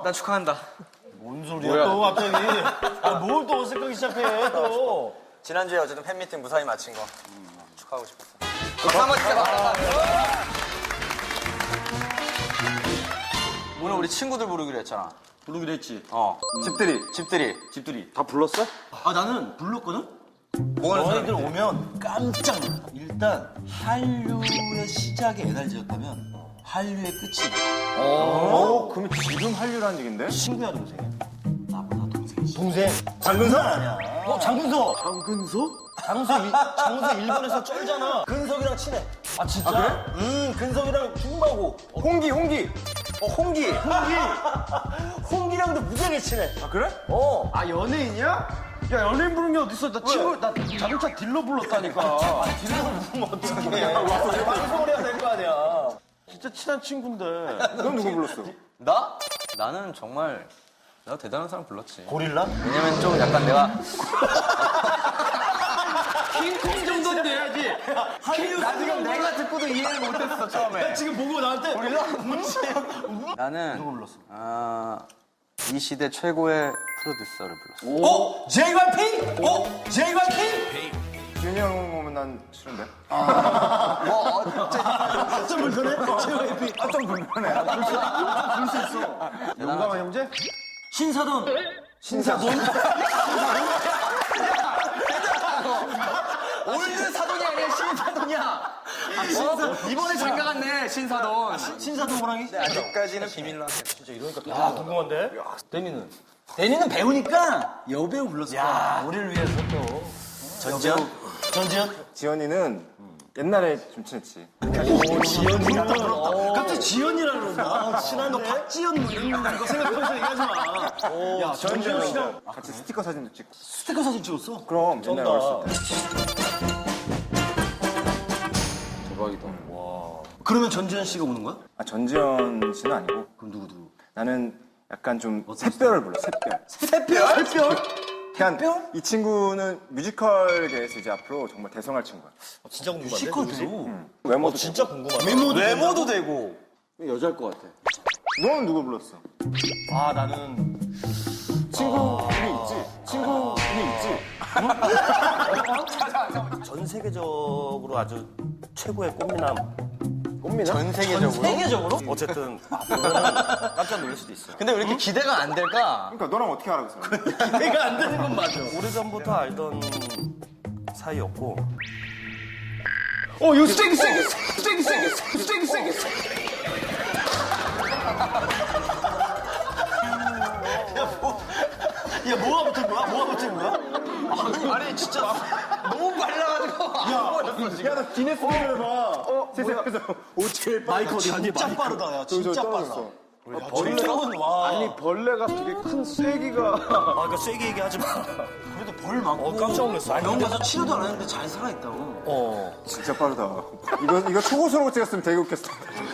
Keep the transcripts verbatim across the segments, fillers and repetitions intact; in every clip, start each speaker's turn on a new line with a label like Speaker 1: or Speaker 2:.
Speaker 1: 난 축하한다.
Speaker 2: 뭔 소리야 또 갑자기. 아, 뭘 또 어색하기 시작해 또.
Speaker 1: 지난주에 어쨌든 팬미팅 무사히 마친 거 축하하고 싶었어. 박수 한번 주세요. 오늘 우리 친구들 부르기로 했잖아.
Speaker 2: 부르기로 했지.
Speaker 1: 어.
Speaker 3: 집들이.
Speaker 1: 집들이.
Speaker 2: 집들이.
Speaker 3: 다 불렀어?
Speaker 2: 아 나는 불렀거든?
Speaker 1: 뭐 하는
Speaker 2: 너희들
Speaker 1: 사람인데?
Speaker 2: 오면 깜짝 놀라. 일단 한류의 시작이 에너지였다면 한류의 끝이
Speaker 3: 어, 그럼 지금 한류라는 얘긴데?
Speaker 2: 친구야 동생이야? 나보다 동생이지. 동생? 장근석 아니야. 어 장근석.
Speaker 3: 장근석?
Speaker 2: 장근석 일- 장근석 일본에서 쩔잖아. 근석이랑 친해. 아 진짜? 그래? 음 근석이랑 중마고.
Speaker 3: 홍기, 홍기.
Speaker 2: 어 홍기. 홍기. 홍기랑도 무지하게 친해.
Speaker 3: 아, 그래?
Speaker 2: 어.
Speaker 3: 아, 연예인이야? 야, 연예인 부른 게 어딨어? 나 친구, 나 자동차 딜러 불렀다니까.
Speaker 2: 딜러를 부르면 어떡해. 방송을 해야 될 거 아니야.
Speaker 3: 진짜 친한 친구인데. 넌 누구 불렀어?
Speaker 1: 나? 나는 정말 내가 대단한 사람 불렀지.
Speaker 2: 고릴라?
Speaker 1: 왜냐면 좀 약간 내가
Speaker 3: 킹콩 정도는 돼야지.
Speaker 2: 한류
Speaker 1: 나 지금 내가 듣고도 이해를 못했어 처음에.
Speaker 2: 지금 보고 나한테 고릴라?
Speaker 1: 나는
Speaker 2: 누구 불렀어?
Speaker 1: 아, 이 시대 최고의 프로듀서를 불렀어.
Speaker 2: 어? 제이와이피? 어? 제이와이피?
Speaker 3: 준이 형 오면 난 싫은데.
Speaker 1: 뭐 어째
Speaker 2: 좀 불편해? 제이와이피.
Speaker 3: 아, 좀 불편해. 불수 있어. 용감한 형제?
Speaker 2: 신사돈.
Speaker 3: 신사돈?
Speaker 1: 올드 사돈이 아니야 신사돈이야. 어? 이번에 장가 갔네 신사돈.
Speaker 2: 신사돈 호랑이?
Speaker 1: 아직까지는 비밀로 할게.
Speaker 2: 진짜 이러니까 야 궁금한데? 데니는? 데니는 배우니까 여배우 불렀을 거야. 우리를 위해서 또. 전지현? 전지현?
Speaker 3: 지연이는 옛날에 좀 친했지.
Speaker 2: 오, 지연이랑. 갑자기 지연이라 그런다. 아, 친한데? 너 박지연 뭐 이런 거 생각하면서 얘기하지 마. 오, 야, 전지현 씨랑
Speaker 3: 같이 스티커 사진도 찍고.
Speaker 2: 스티커 사진 찍었어?
Speaker 3: 그럼 옛날에
Speaker 2: 쩐다.
Speaker 3: 어렸을 때.
Speaker 1: 대박이다.
Speaker 2: 그러면 전지현 씨가 오는 거야?
Speaker 3: 아, 전지현 씨는 아니고.
Speaker 2: 그럼 누구 누구?
Speaker 3: 나는 약간 좀 샛별을 불러, 샛별.
Speaker 2: 새별? 새별?
Speaker 3: 그냥 이 친구는 뮤지컬계에서 이제 앞으로 정말 대성할 친구야.
Speaker 2: 진짜 궁금한데? 뮤지컬 배우?
Speaker 3: 외모도
Speaker 2: 진짜 궁금하다. 외모도, 외모도 되고.
Speaker 3: 여자일 것 같아. 너는 누구 불렀어?
Speaker 2: 아, 나는.
Speaker 3: 친구들이 있지? 친구들이 있지?
Speaker 2: 전 세계적으로 아주 최고의 꽃미남.
Speaker 3: 꽃미남?
Speaker 1: 전 세계적으로.
Speaker 2: 세계적으로? 어쨌든 아, 보면은 깜짝 놀랄 수도 있어.
Speaker 1: 근데 왜 이렇게 기대가 안 될까?
Speaker 3: 그러니까 너랑 어떻게 알아, 그 사람?
Speaker 2: 내가 안 되는 건 맞아. 오래전부터 알던 사이였고.
Speaker 3: 어, 이거 세게, 세게, 세게, 세게, 세게, 세게, 세게.
Speaker 2: 야, 뭐가 붙은 거야? 뭐가 붙은 거야? 아니, 진짜
Speaker 1: 너무 말라가지고.
Speaker 3: 야, 나 기네스 비밀 해봐. 어, 세상에서 오칠
Speaker 2: 마이크 진짜 빠르다, 야. 진짜 빠르다. 벌레는 와.
Speaker 3: 아니, 벌레가 되게 큰 쐐기가.
Speaker 2: 아, 그러니까 세게 얘기하지 마. 그래도 벌 많고. 어, 깜짝 놀랐어. 병원 가서 치료도 안 했는데 잘 살아있다고. 어.
Speaker 3: 진짜 빠르다. 이거, 이거 초고수로 찍었으면 되게 웃겼어.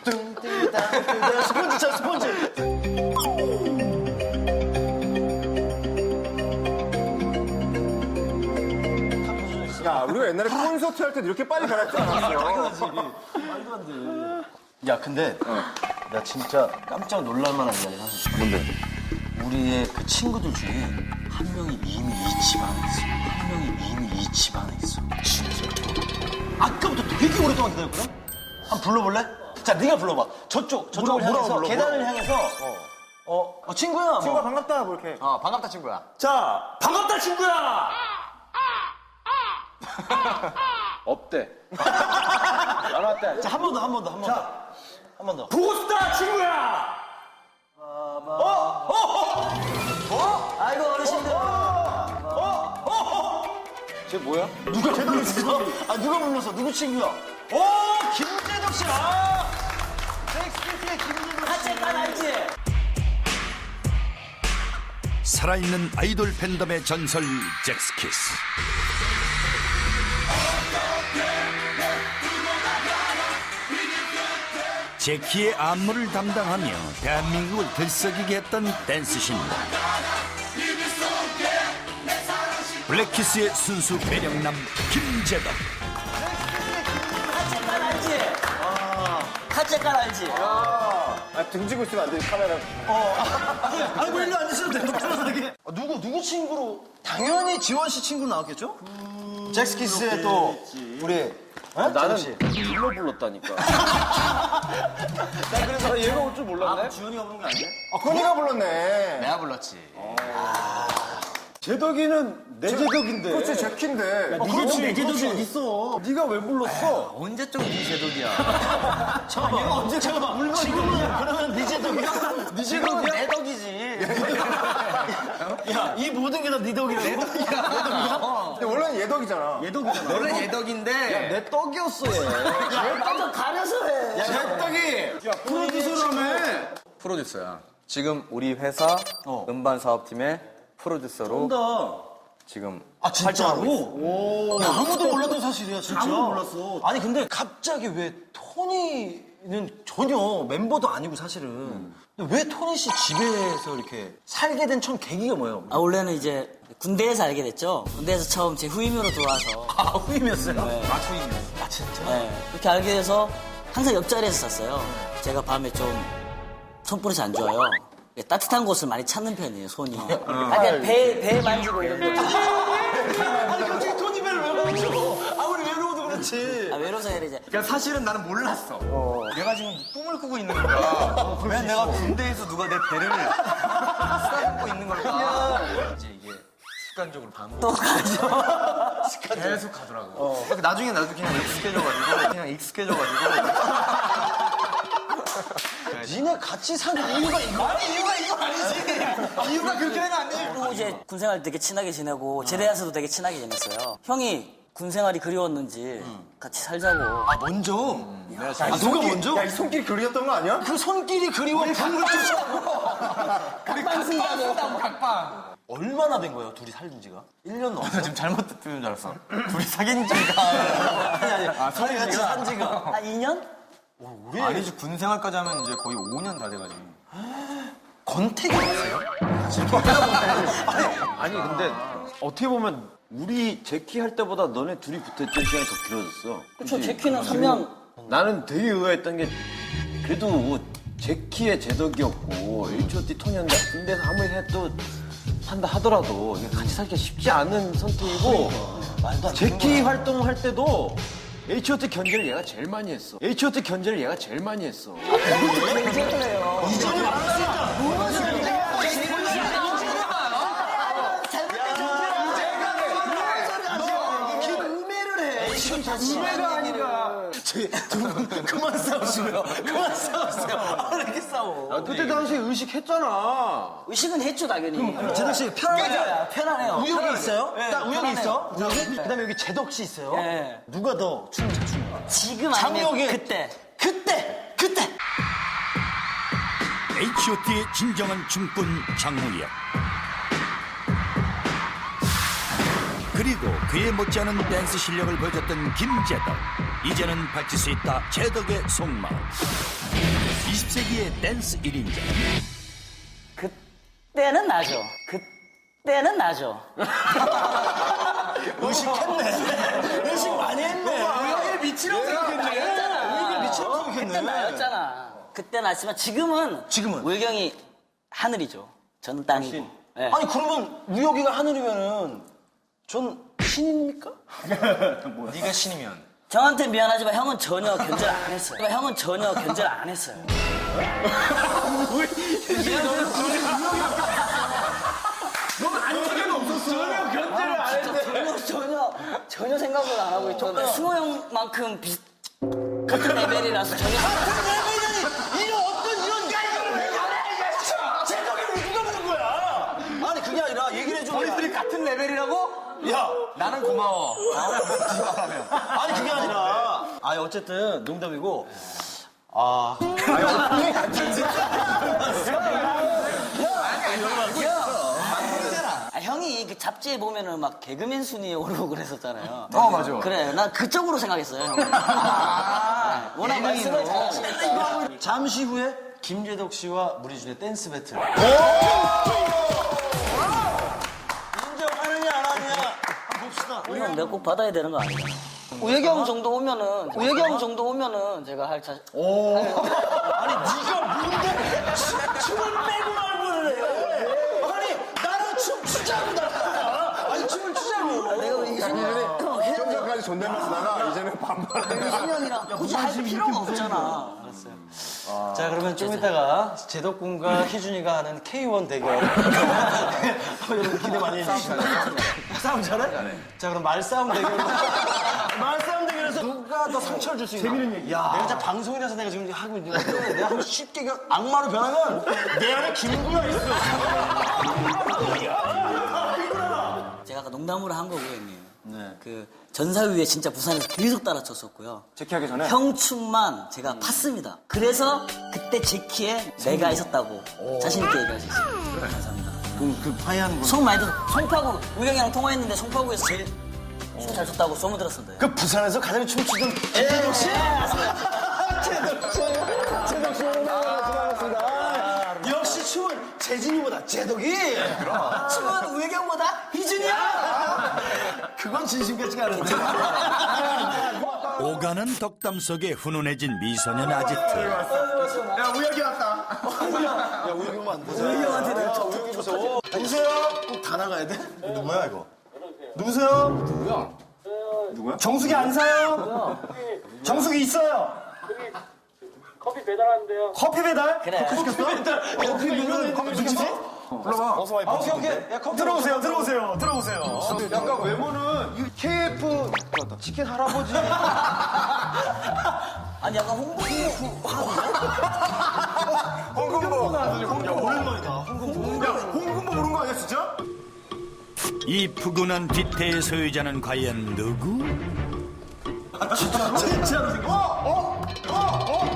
Speaker 2: 스펀지 차, 스펀지.
Speaker 3: 야, 우리가 옛날에 콘서트 할 때 이렇게 빨리 변할 줄 알았어.
Speaker 2: 당연하지. 말도 안 돼. 야, 근데 나 진짜 깜짝 놀랄만한 이야기를 하고 싶어.
Speaker 3: 뭔데?
Speaker 2: 우리의 그 친구들 중에 한 명이 이미 이 집안에 있어. 한 명이 이미 이 집안에 있어. 진짜? 아까부터 되게 오랫동안 기다렸거든? 한번 불러볼래? 자, 네가 불러봐. 저쪽, 저쪽을
Speaker 3: 뭐라,
Speaker 2: 향해서,
Speaker 3: 뭐라,
Speaker 2: 계단을 향해서. 어, 어, 친구야.
Speaker 3: 친구가
Speaker 2: 뭐.
Speaker 3: 반갑다, 뭐 이렇게.
Speaker 1: 어 반갑다 친구야.
Speaker 2: 자, 반갑다, 친구야!
Speaker 1: 없대.
Speaker 3: 안 왔다.
Speaker 2: 자, 한 번 더, 한 번 더, 한 번 더. 한 번 더.
Speaker 3: 보고 싶다, 친구야!
Speaker 2: 아이고, 어르신들.
Speaker 1: 쟤 뭐야?
Speaker 2: 누가 불렀어? 아, 누가 불렀어? 누구 친구야? 오, 김재덕 씨! 아! 잭스키스의 김재덕 씨. 같이 난 알지?
Speaker 4: 살아있는 아이돌 팬덤의 전설 잭스키스. 제키의 안무를 담당하며 대한민국을 들썩이게 했던 댄스신입니다. 블랙키스의 순수 매력남 김재덕.
Speaker 2: 같이 난 알지? 아, 같이 난 알지?
Speaker 3: 아, 등지고 있으면 안 돼, 카메라.
Speaker 2: 아니 뭐 일로 앉으셔도 돼요. 편안하게. 아, 누구 누구 친구로? 당연히 지원 씨 친구로 나왔겠죠? 잭스키스의 또 우리 어?
Speaker 3: 나는
Speaker 2: 씨.
Speaker 3: 딜러 불렀다니까. 나 그래서 얘가 올 줄 몰랐네.
Speaker 2: 지원이가 부른 거 아니야?
Speaker 3: 아, 건이가 불렀네.
Speaker 1: 내가 불렀지.
Speaker 3: 제덕이는 내 제덕인데. 그렇지, 제키인데.
Speaker 2: 그렇지 내 제덕이 어딨어?
Speaker 3: 네가 왜 불렀어?
Speaker 1: 언제적 네 제독이야.
Speaker 2: 잠깐만 얘가 언제 잠깐만 물건이야. 그러면 네 제덕이야? 네 제덕이야? 내 덕이지. 야 이 모든 게 다 네 덕이라고? 내 덕이야.
Speaker 3: 근데 원래는 얘덕이잖아.
Speaker 2: 얘덕이잖아.
Speaker 1: 너는 예덕인데.
Speaker 2: 내 떡이었어 얘. 얘 떡을 가려서 해. 야
Speaker 3: 제덕이! 야, 프로듀서라며.
Speaker 1: 프로듀서야. 지금 우리 회사
Speaker 2: 어.
Speaker 1: 음반 사업팀의 프로듀서로
Speaker 2: 한다.
Speaker 1: 지금
Speaker 2: 아 진짜로? 오. 야, 아무도 몰랐던 사실이야 진짜. 아무도 몰랐어. 아니 근데 갑자기 왜 토니는 전혀 멤버도 아니고 사실은
Speaker 1: 음.
Speaker 2: 근데 왜 토니 씨 집에서 이렇게 살게 된 첫 계기가 뭐예요?
Speaker 5: 아, 원래는 이제 군대에서 알게 됐죠. 군대에서 처음 제 후임으로 들어와서.
Speaker 2: 아 후임이었어요?
Speaker 5: 네.
Speaker 2: 아 후임이었어. 아 진짜?
Speaker 5: 네, 이렇게 알게 돼서 항상 옆자리에서 잤어요. 제가 밤에 좀 손버릇이 안 좋아요. 따뜻한 곳을 많이 찾는 편이에요, 손이. 아, 그냥 배, 배 만지고 이런 거.
Speaker 2: 아니 갑자기 토니 배를 왜 만져? 아무리 외로워도 그렇지.
Speaker 5: 아, 외로워서 해야 이제.
Speaker 1: 그러니까 사실은 나는 몰랐어. 내가 지금 꿈을 꾸고 있는 거야. 왜 내가 군대에서 누가 내 배를 쓰다듬고 있는 걸까? 이제 이게 습관적으로 반복.
Speaker 5: 또 가죠.
Speaker 1: 계속 가더라고. 그러니까 나중에 나도 그냥 익숙해져가지고 그냥 익숙해져가지고.
Speaker 2: 니네 같이 사는 이유가 이거? 아니 이유가 이거 아니지. 이유가 그렇게 되면 안 돼.
Speaker 5: 그리고 이제 군 생활 되게 친하게 지내고, 제대해서도 되게 친하게 지냈어요. 형이 군 생활이 그리웠는지 같이 살자고.
Speaker 2: 아 먼저? 아 누가 먼저?
Speaker 3: 야, 이 손길이 그리웠던 거 아니야?
Speaker 2: 그 손길이 그리워 방을
Speaker 1: 각방 쓴다고 각방.
Speaker 2: 얼마나 된 거예요 둘이 살던 지가? 일 년 넘었어?
Speaker 1: 지금 잘못 듣는 줄 알았어. 둘이 사귄 지가.
Speaker 2: 아니 아니 아, 둘이 같이 산 지가
Speaker 5: 한 이 년?
Speaker 2: 우리
Speaker 1: 아니지 군 생활까지 하면 이제 거의 오 년 다 돼가지고.
Speaker 2: 권태기 없어요?
Speaker 3: 아니, 근데 어떻게 보면 우리 제키 할 때보다 너네 둘이 붙어있던 시간이 더 길어졌어.
Speaker 5: 그쵸, 제키는 삼 년.
Speaker 3: 나는 되게 의아했던 게 그래도 제키의 제덕이었고 에이치 오 티 토니였는데 군대에서 아무리 해도 한다 하더라도 이게 같이 살기가 쉽지 않은 선택이고
Speaker 2: 말도 안 되는
Speaker 3: 제키 활동할 때도 에이치 오 티 견제를 얘가 제일 많이 했어. 에이치 오 티 견제를 얘가 제일 많이 했어.
Speaker 2: 이전에 말했으니까 지금 다시
Speaker 3: 우매가 아니라.
Speaker 2: 두분 그만 싸우시고요. 그만 싸우세요. 왜 이렇게 싸워?
Speaker 3: 아, 그때 당시에 의식했잖아.
Speaker 5: 의식은 했죠, 당연히.
Speaker 2: 제덕 씨 편하네요.
Speaker 5: 편하네요.
Speaker 2: 우혁이 있어요?
Speaker 5: 네,
Speaker 2: 딱 우혁이
Speaker 5: 편하네요.
Speaker 2: 있어? 우혁이? 그다음에 여기 제덕 씨 있어요.
Speaker 5: 네.
Speaker 2: 누가 더 춤을 잘 추는 거야?
Speaker 5: 지금 아니면
Speaker 2: 장혁이
Speaker 5: 그때.
Speaker 2: 그때 그때
Speaker 4: 에이치 오 티의 진정한 춤꾼 장우혁. 그리고 그에 못지않은 댄스 실력을 보여줬던 김제덕. 이제는 밝힐 수 있다 제덕의 속마음. 이십 세기의 댄스 일 인자.
Speaker 5: 그때는 나죠. 그때는 나죠.
Speaker 2: 의식했네. 의식 많이 했네. 우혁이를 미치라고 생각했네. 우혁이를 미치라고
Speaker 5: 그때
Speaker 2: 생각했네.
Speaker 5: 나였잖아. 그때 나지만 지금은
Speaker 2: 지금은?
Speaker 5: 우경이 하늘이죠. 저는 땅이고. 네.
Speaker 2: 아니 그러면 우혁이가 하늘이면은 전 신입니까?
Speaker 1: 네가 신이면.
Speaker 5: 저한테 미안하지만 형은 전혀 견제를 안 했어요. 형은 전혀 견제를 안 했어요.
Speaker 3: 전혀 견제를 안 했는데.
Speaker 5: 전혀 전혀 전혀 생각을 안 하고 있죠. 승호 형만큼 비슷 같은 레벨이라서 전혀.
Speaker 2: 이런 어떤 이런 제덕이를 왜 누가 부른 거야? 아니 그게 아니라 얘기를 해줘.
Speaker 1: 우리들이 같은 레벨이라고?
Speaker 2: 야
Speaker 1: 나는 고마워.
Speaker 2: 아니 그게 아니라 아니 어쨌든 농담이고 아
Speaker 5: 아, 형이 그 잡지에 보면은 막 개그맨 순위에 오르고 그랬었잖아요.
Speaker 1: 어, 맞아.
Speaker 5: 그래, 난 그쪽으로 생각했어요. 형. 아, 워낙 말씀을 잘하시니까.
Speaker 2: 잠시 후에 김재덕 씨와 무리준의 댄스 배틀. 인정하느냐 안 하느냐 한번 봅시다.
Speaker 5: 이건 내가 꼭 받아야 되는 거 아니야? 우혁이 형 정도 오면은 우혁이 형 정도 오면은 제가 할 자신.
Speaker 2: 아니 네가 뭔데 춤을 빼고 말고를 해. 아니 나랑 춤 추자고 나가. 아니 춤을 추자고.
Speaker 5: 내가 왜 이순이 형
Speaker 6: 좀 전까지 존댓말 쓰다가 이제는 반말해.
Speaker 5: 이순이 형이랑 굳이 할 필요가 없잖아. 알았어요.
Speaker 2: 자 그러면 좀 이따가 제덕군과 희준이가 하는 케이 원 대결. 여러분 기대 많이 해주시고. 싸움 잘해? 자 그럼 말싸움 대결. 말싸움 대결에서 누가 더 상처를 줄 수 있나? 재밌는 얘기. 야, 내가 진짜 방송이라서 내가 지금 하고 있는 건데 내가 한번 쉽게 그 악마로 변하면 내 안에 김구가 있어.
Speaker 5: 제가 아까 농담으로 한 거고요, 형님. 그 전사위에 진짜 부산에서 계속 따라쳤었고요.
Speaker 6: 제키하기 전에?
Speaker 5: 형 춤만 제가 팠습니다. 그래서 그때 제키에 내가 있었다고 자신 있게 얘기할 수 있어요. 감사합니다.
Speaker 2: 그럼 그 파이하는 거.
Speaker 5: 송 많이 들어. 송파구 우영이랑 통화했는데 송파구에서 제일 춤 잘 췄다고 소문 들었습니다.
Speaker 2: 그 부산에서 가장 춤추던 제덕 씨. 제덕 씨. 제덕 씨 오늘 수고하셨습니다. 역시 춤은 재진이보다 제덕이.
Speaker 5: 춤은 우영이 형보다 희준이야.
Speaker 2: 그건 진심 같지가 않은데.
Speaker 4: 오가는 덕담 속에 훈훈해진 미소년 아지트.
Speaker 6: 야, 우혁이 왔다.
Speaker 2: 야 우혁이 형만 안 보자. 우혁이 형한테 내가 우혁이 무서워. 누구세요? 꼭 다 나가야 돼? 누구야 이거? 누구세요? 누구야? 누구야? 정수기 안 사요? 정수기 있어요.
Speaker 7: 커피 배달하는데요.
Speaker 2: 커피 배달?
Speaker 5: 그래.
Speaker 2: 커피 배달. 커피 배달. 커피 시켰어? 불러봐. 어서 와. 아, 오케이 오케이. 야 커피 들어오세요. 들어오세요. 들어오세요.
Speaker 6: 약간 외모는 이 케이에프 치킨 할아버지.
Speaker 5: 아니 약간 홍보
Speaker 6: 홍금보. 야, 오랜만이다. 홍금보. 야, 홍금보 오는 거 아니야, 진짜?
Speaker 4: 이 푸근한 뒤태의 소유자는 과연 누구?
Speaker 2: 진짜로 생겼어.
Speaker 6: 어? 어? 어?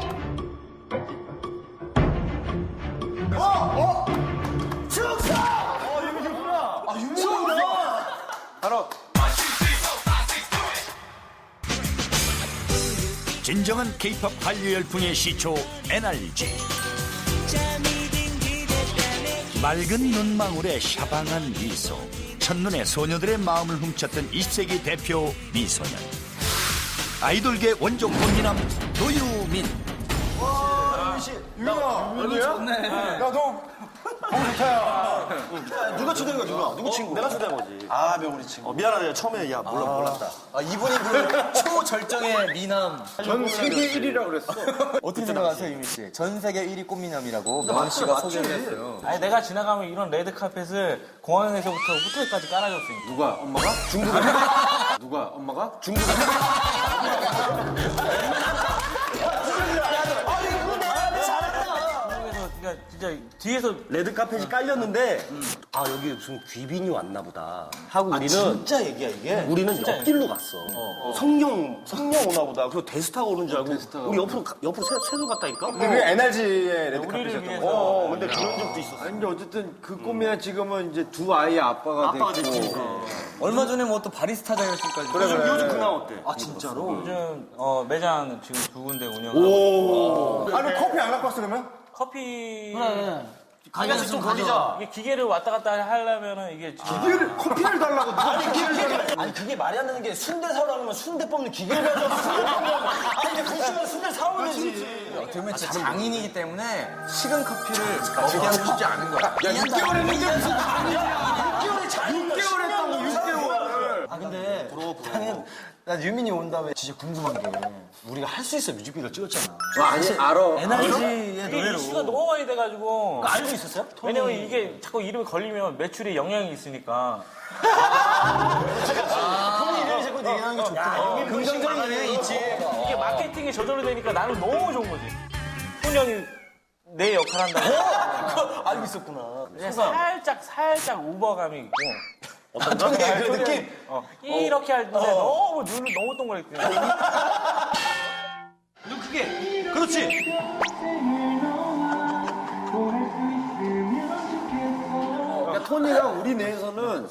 Speaker 6: 어? 어?
Speaker 2: 축사! 어, 유명이구나. 아, 유명이구나.
Speaker 6: 바로.
Speaker 4: 진정한 케이팝 한류 열풍의 시초 엔알지. 맑은 눈망울에 샤방한 미소. 첫눈에 소녀들의 마음을 훔쳤던 이십 세기 대표 미소년. 아이돌계 원조 꽃미남 노유민.
Speaker 6: 유명아. 얼굴 좋네. 야, 너. 너무 좋다, 야.
Speaker 2: 누가 초대한 거야, 누가? 누구 친구? 내가 초대한 거지. 아, 명훈이 친구. 어, 미안하다. 처음에, 야, 몰라, 몰랐다.
Speaker 1: 아, 이분이 그 초절정의 미남.
Speaker 6: 전 세계 일 위라고 그랬어.
Speaker 1: 어떻게 생각하세요, 유미 씨? 전 세계 일 위 꽃미남이라고 명훈 씨가 소개를 했어요.
Speaker 7: 아니 내가 지나가면 이런 레드 카펫을 공항에서부터 호텔까지 깔아줬으니까.
Speaker 6: 누가? 엄마가? 중국에? 누가? 엄마가? 중국에?
Speaker 7: 그래서 그러니까 진짜 뒤에서
Speaker 8: 레드 카펫이 깔렸는데 아 여기 무슨 귀빈이 왔나 보다 하고 우리는
Speaker 2: 진짜 얘기야, 이게?
Speaker 8: 우리는 옆길로 갔어. 성령 성령 오나 보다. 그리고 데스타가 오는 줄 알고 우리 옆으로 가- 옆으로 새, 새도 갔다니까.
Speaker 6: 근데 그게 엔알지의 레드
Speaker 7: 우리를
Speaker 6: 카펫이었던
Speaker 7: 위해서.
Speaker 6: 거.
Speaker 8: 어 근데 그런 적도 있었어.
Speaker 3: 아니, 근데 어쨌든 그 꿈이야 지금은 이제 두 아이의 아빠가,
Speaker 8: 아빠가
Speaker 3: 됐고.
Speaker 8: 됐지.
Speaker 1: 얼마 전에 뭐 또 바리스타 자격증까지.
Speaker 8: 요즘 요즘 근황 어때?
Speaker 2: 아, 진짜로?
Speaker 7: 요즘 어, 매장 지금 두 군데 운영하고
Speaker 6: 아, 너 커피 안 갖고 왔어, 그러면?
Speaker 7: 커피
Speaker 5: 가게에서 좀 가져.
Speaker 7: 이게 기계를 왔다 갔다 하려면은 이게 지금
Speaker 6: 커피를, 커피를 달라고 누가 커피를 달라고.
Speaker 2: 아니, 그게 말이 안 되는 게 순대 사오라 그러면 순대 뽑는 기계를 가져와서 순대 뽑는 아니, 근데 그 시간에 순대 사오면 되지.
Speaker 1: 어떻게 보면 진짜 장인이기 때문에 식은 커피를 먹게 하고 싶지 않은 거야.
Speaker 2: 야, 육 개월 했는데 무슨 아니야? 육 개월이 잘 육 개월 했다고, 육 개월. 아, 근데 나는, 난 유민이 온 다음에 진짜 궁금한 게 우리가 할 수 있어 뮤직비디오 찍었잖아.
Speaker 3: 아니, 알아.
Speaker 2: 엔알지의
Speaker 7: 이게
Speaker 2: 노래로.
Speaker 7: 이슈가 너무 많이 돼가지고
Speaker 2: 알고 있었어요?
Speaker 7: 왜냐면 이게 자꾸 이름이 걸리면 매출에 영향이 있으니까
Speaker 2: 토니 이름이 자꾸 얘기하는 게 좋구나.
Speaker 1: 긍정적인 영향이 있지.
Speaker 7: 이게 마케팅이 저절로 되니까 나는 너무 좋은 거지. 톤 형이 내 역할 한다고.
Speaker 2: 그거 알고 있었구나.
Speaker 7: 그냥 살짝 살짝 우버감이 있고
Speaker 2: 어떤 그 느낌?
Speaker 7: 어, 이렇게 할 때 너무 눈을 너무 동그랗게
Speaker 2: 눈 크게. 그렇지.
Speaker 3: 그러니까 토니가 우리 내에서는